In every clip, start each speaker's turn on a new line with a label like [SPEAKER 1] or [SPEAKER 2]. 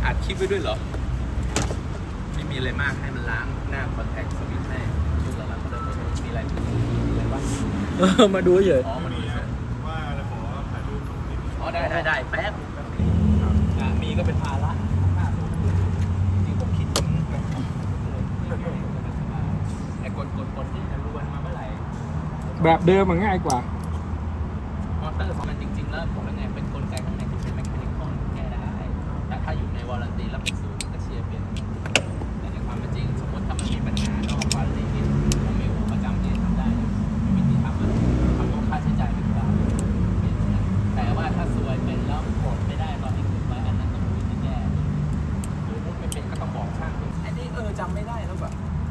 [SPEAKER 1] อัดคลิปไว้ด้วยเหรอไม่มีอะไรมากให้มันล้างหน้าคอนแทคสวิตช์ให้ชุดละล้างก็ได้มีอะไรบ้าง
[SPEAKER 2] มาดูเฉย
[SPEAKER 1] อ๋อมาดูเฉย
[SPEAKER 3] ว่าจะขอถ่ายรูปตรงนี้
[SPEAKER 1] อ๋อได้แป๊บมีก็เป็นภาระจริงผมคิดถึงไอ้กดที่จะรวนมาเมื่อไหร่
[SPEAKER 2] แบบเดิมมันง่ายกว่า
[SPEAKER 1] มอเตอร์ของมันจริงๆแล้วผมเป็นไงเป็นกลไกข้างในที่เป็นแมคานิคอลแก้ได้แต่ถ้าอยู่ในวอรันตีแล้วเป็นศูนย์ก็เชียร์เปลี่ยนแต่ในความเป็นจริงสมมติถ้ามันมีปัญหานอกวารันตีนี่ผมมีประจำที่ทำได้มีวิธีทำต้องค่าใช้จ่ายเป็นกลางแต่ว่าถ้าซวยเป็นแล้วกดไม่ได้ตอนที่คุณไว้อันนั้นต้องมีวิธีแก้หรือไม่เป็นก็ต้องบอกช่างอันนี้จำไม่ได้แล้วแบบ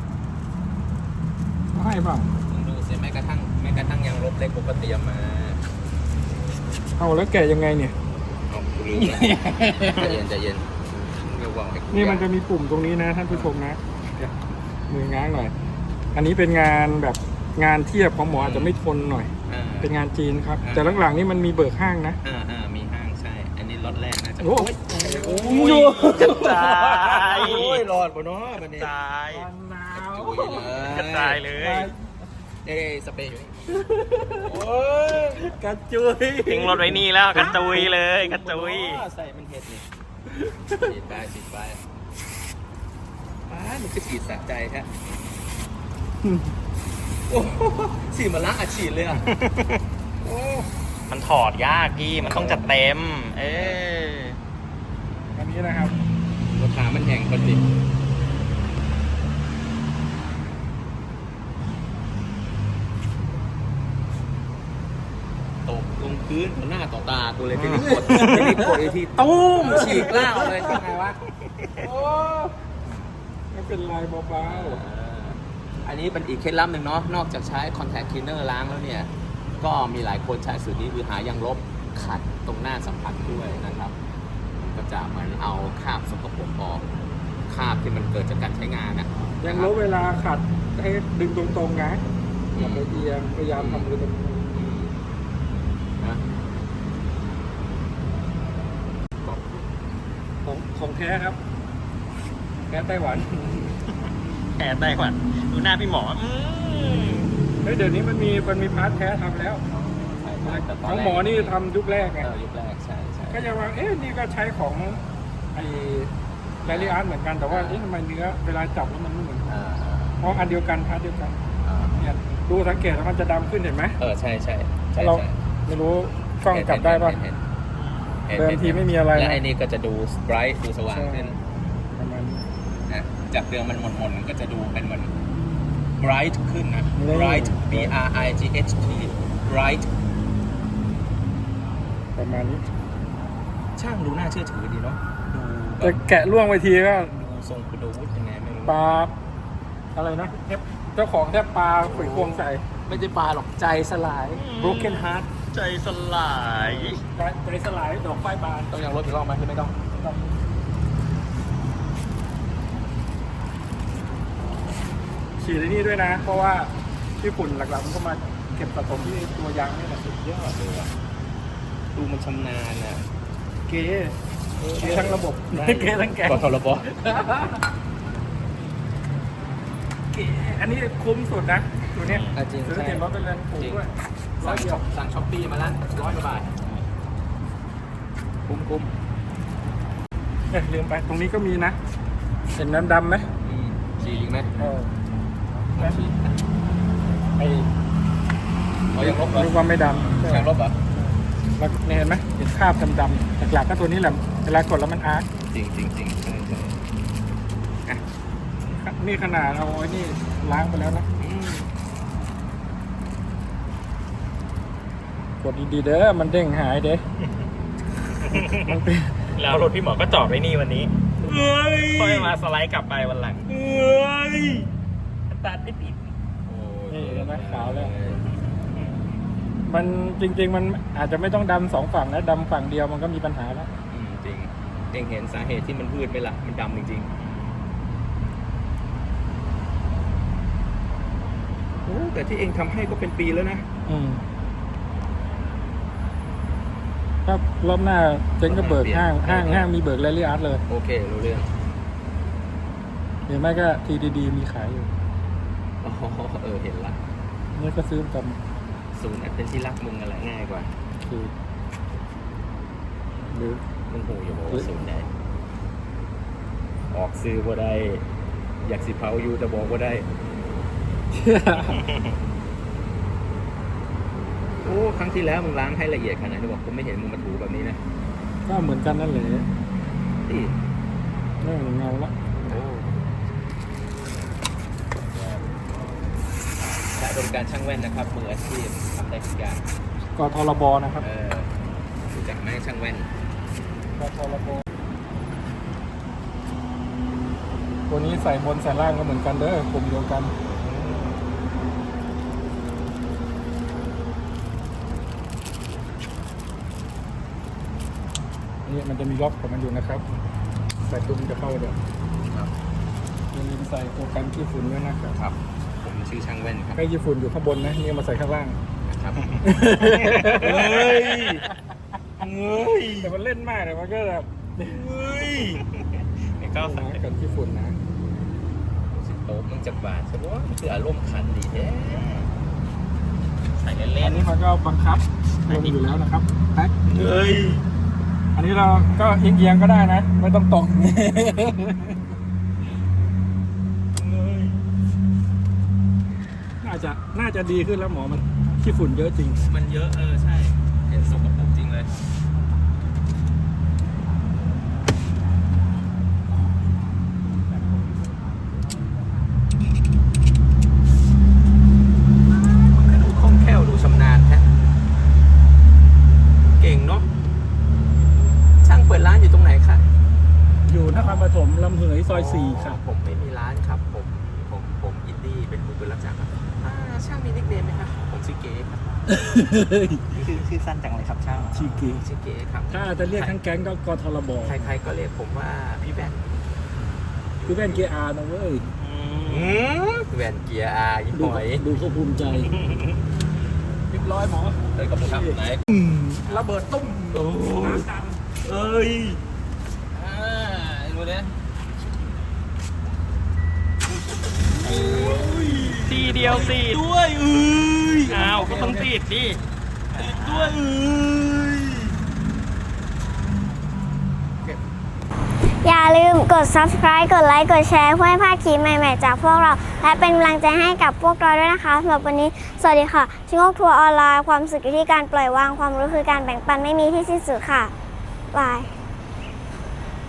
[SPEAKER 2] ให้เปล่า
[SPEAKER 1] ดูสิแม้กระทั่งยังลบเล็กปกติมา
[SPEAKER 2] เอาแล้วแกะยังไงเนี่ย
[SPEAKER 1] เอาลืมใจเย็นเดี๋ยววาง
[SPEAKER 2] นี่มันจะมีปุ่มตรงนี้นะท่านผู้ชมนะมือง้างหน่อยอันนี้เป็นงานแบบงานเทียบของหมออาจจะไม่ทนหน่อยเป็นงานจีนครับแต่หลังๆนี่มันมีเบิกห้างนะ
[SPEAKER 1] มีห้างใช่อันนี้ล็อตแรกนะจะ
[SPEAKER 2] โอ้
[SPEAKER 1] ยกระจายโอ้ยรอดบ่เนาะบัดนี้
[SPEAKER 2] กระจาย
[SPEAKER 1] กระจายเลยสเปรย์อยู่นี่โอ้ย
[SPEAKER 2] กระจุย
[SPEAKER 4] ทิ้งรถไว้นี่แล้วกระจุยเลยกระจุย
[SPEAKER 1] ใส่มันเห็ดนี่ฉีดไปมันคือฉีดสะใจแท้โอ้ฉีดมาล้างอัดฉีดเลยอ่ะ
[SPEAKER 4] มันถอดยากพี่มันต้องจัดเต็ม
[SPEAKER 2] อันนี้นะครับ
[SPEAKER 1] รถขามันแห้งพอดีตกลงพื้นต่อหน้าต่อตากูเลยทีนี้กดอีกทีตุ้มฉีกล่างเลยทำไงวะ
[SPEAKER 2] โอ้ไม่เป็นไรเบา
[SPEAKER 1] ๆอันนี้เป็นอีกเคล็ดลับหนึ่งเนาะนอกจากใช้ contact cleaner ล้างแล้วเนี่ยก็มีหลายคนใช้สูตรนี้คือหายางลบขัดตรงหน้าสัมผัสด้วยนะครับก็จะเหมือนเอาคราบสกปรกออกคราบที่มันเกิดจากการใช้งานนะ
[SPEAKER 2] ยางลบเวลาขัดให้ดึงตรงๆนะอย่าไปเอียงพยายามทำมือตรงของแท้ครับแท้ไต้หวัน
[SPEAKER 4] แท้ไต้หวันดูหน้าพี่หมอ
[SPEAKER 2] เฮ้ยเดี๋ยวนี้มันมีพาร์ทแท้ทำแล้วของหมอนี่ทำยุคแรกไง
[SPEAKER 1] ยุคแรกใช่
[SPEAKER 2] ก็ยังว่านี่ก็ใช้ของไอ้ไลลิอาร์ตเหมือนกันแต่ว่าทำไมเนื้อเวลาจับแล้วมันไม่เหมือนเพราะอันเดียวกันพาร์ทเดียวกันเนี่ยดูสังเกตแล้วมันจะดำขึ้นเห็นไหม
[SPEAKER 1] ใช่
[SPEAKER 2] เราไม่รู้กล้องจับได้ป่ะเดิมทีไม่มีอะไร
[SPEAKER 1] และไอ้นี่ก็จะดูไบรท์ดูสว่างขึ้น
[SPEAKER 2] ประมาณ
[SPEAKER 1] นะจากเดิมมันหม่นๆก็จะดูเป็นเหมือน bright ขึ้นนะ bright B R I G H T bright
[SPEAKER 2] ประมาณนี้
[SPEAKER 1] ช่างดูน่าเชื่อถือดีเนาะ
[SPEAKER 2] จะแกะล่วงไปทีก็
[SPEAKER 1] ดูทรงคุณดูวุฒิยังไงไม่รู้
[SPEAKER 2] ปลาอะไรนะเจ้าของแทบปลาขุยควงใส่
[SPEAKER 1] ไม่ใช่ปลาหรอกใจสลาย broken heart
[SPEAKER 4] ใจสลาย
[SPEAKER 2] ดอกไฟบาน
[SPEAKER 1] ต้องยังรถอีกรอบไหมหรือไม่ต้อง
[SPEAKER 2] ฉีดที่นี่ด้วยนะเพราะว่าที่ฝุ่นหลักๆมันก็มาเก็บสะสมที่ตัวยางนี่แหละสุดยอดเลย
[SPEAKER 1] ดูมันชำนาญอ่ะ
[SPEAKER 2] เก๋ทั้งระบบเก๋ทั้งแก
[SPEAKER 1] ก็ทรบ
[SPEAKER 2] เก๋อันนี้คุ้มสุดนะตัวเนี้ย
[SPEAKER 1] จริง
[SPEAKER 2] ซื้อเต็มรถเป็นเรือนถูกด้วย
[SPEAKER 1] สั่งช้อปปี้มาละ100 กว่าบาทคุ้ม
[SPEAKER 2] ลืมไปตรงนี้ก็มีนะเห็นดำไหม
[SPEAKER 1] ฉีดอีกไหมยังลบเหรอ
[SPEAKER 2] นึกว่าไม่ด
[SPEAKER 1] ำยังลบเหรอ
[SPEAKER 2] แล้วเห็นไหมเห็นคราบดำๆหลักๆก็ตัวนี้แหละเวลากดแล้วมันอาร์ต
[SPEAKER 1] จริง
[SPEAKER 2] นี่ขนาดเอาไอ้นี่ล้างไปแล้วนะกดดีๆเด้อมันเด้งหายเด้
[SPEAKER 4] แล้วรถพี่หมอก็จอดไว้นี่วันนี้ค่อยมาสไลด์กลับไปวันหลังตัดไม่ติด
[SPEAKER 2] นี่เห็นไหมขาวแล้วมันจริงๆมันอาจจะไม่ต้องดำ2 ฝั่งนะดำฝั่งเดียวมันก็มีปัญหาแล้ว
[SPEAKER 1] จริงเองเห็นสาเหตุที่มันพืชไหมล่ะมันดำจริงๆโอ้แต่ที่เองทำให้ก็เป็นปีแล้วนะ
[SPEAKER 2] ถ้ก็รอบหน้าเจ๊งก็เบิกห้างมีเบิกแรลลี่อาร์ตเลย
[SPEAKER 1] โอเครู้เรื่อง
[SPEAKER 2] หรือไม่ก็ทีดีมีขายอยู่
[SPEAKER 1] อ๋อเห็นละ
[SPEAKER 2] นี่ก็ซื้อประจ
[SPEAKER 1] ศูนย์เป็นที่รักมึงอะไรง่ายกว่า
[SPEAKER 2] ำคือหรือ
[SPEAKER 1] มึงหูอยู่บอกว่าศูนย์ใดออกซื้อบ่ได้ อยากสิเผาอยู่แต่บอกว่าได้ โอ้ครั้งที่แล้วมึงล้างให้ละเอียดขนาดไหนบอกผมไม่เห็นมึงมาถูแบบนี้นะ
[SPEAKER 2] ก็เหมือนกันนั่นแหละ
[SPEAKER 1] นี่
[SPEAKER 2] นี่เงาละ
[SPEAKER 1] โอ้และบริการช่างแว่นนะครับมืออาชีพทำได้ทุกอย่าง
[SPEAKER 2] กทรบนะครับ
[SPEAKER 1] รู้จักไหมช่างแว่น
[SPEAKER 2] กทรบตัวนี้ใส่บนใส่ล่างก็เหมือนกันเด้อกลุ่มเดียวกันนี่มันจะมีล็อกของมันอยู่นะครับ ใส่ตุ้มจะเข้าเดี๋ยว
[SPEAKER 1] ครับ
[SPEAKER 2] ยังมีใส่ตัวกันขี้ฝุ่นด้วยนะครับ
[SPEAKER 1] ครับ ผมชื่อช่างแว่นครับ
[SPEAKER 2] ใกล้ขี้ฝุ่นอยู่ข้างบนนะนี่มาใส่ข้างล่าง
[SPEAKER 1] ครับ
[SPEAKER 4] เฮ้ย เฮ้ย
[SPEAKER 2] แต่มันเล่นมากเลยมันก็แบบ
[SPEAKER 4] เฮ้ยไอ้ก้าวใส่
[SPEAKER 2] กันขี้ฝุ่นนะ
[SPEAKER 1] สิโต๊ะมึงจักบาทใช่ปะมันคืออารมณ์ขันดีแท้
[SPEAKER 4] ใส่เล่
[SPEAKER 2] อั
[SPEAKER 4] น
[SPEAKER 2] นนี้มันก็บังคับลงอยู่แล้วนะครับแพ็ค
[SPEAKER 4] ๆเฮ้ย
[SPEAKER 2] อันนี้เราก็เอียงๆก็ได้นะ ไม่ต้องตรง น่าจะดีขึ้นแล้วหมอมันขี้ฝุ่นเยอะจริง
[SPEAKER 1] มันเยอะใช่ เห็นสกปรกจริงเลยมันก็ดูคล่องแคล่วดูชำนาญแท้เก่งเนาะช่างเปิดร้านอยู่ตรงไหนคะ
[SPEAKER 2] อยู่นครปฐมลำเหยซอย 4 ครับ
[SPEAKER 1] ผมไม่มีร้านครับ ผมอินดี้เป็นมือปืนรับจ้างครับช่างมีนิกเนมไหมครับผมชื่อเก๋ครับ
[SPEAKER 4] ชื่อสั้นจังเลยครับช่าง
[SPEAKER 2] ชีกี
[SPEAKER 1] ชื่อเก๋ครับ
[SPEAKER 2] ถ้าจะเรียกทั้งแก๊งก็กทรบ
[SPEAKER 1] ใครๆก็เรียกผมว่าพี่แว่น
[SPEAKER 2] คือแว่นเกียร์อาร์นะเว้ย
[SPEAKER 1] แว่นเกียร์อายิ่งหอย
[SPEAKER 2] ดูเขาภูมิใจเรียบร้อยหมอ
[SPEAKER 1] เลยกับผมครับไหน
[SPEAKER 2] ระเบิดตุ้ม
[SPEAKER 4] โอ้ยเอ้ย
[SPEAKER 1] ดูเนี่ย
[SPEAKER 4] ทีเดียวติดด้วยเอ้ยอ้าวก็ต้องติดดิติดด้วยเอ้ย
[SPEAKER 5] อย่าลืมกด subscribe กดไลค์ กดแชร์เพื่อไม่พลาดคลิปใหม่ๆจากพวกเรา และเป็นกำลังใจให้กับพวกเราด้วยนะคะสำหรับวันนี้ สวัสดีค่ะ ชิงโงกทัวร์ออนไลน์ ความสุขอยู่ที่การปล่อยวาง ความรู้คือการแบ่งปันไม่มีที่สิ้นสุดค่ะ บาย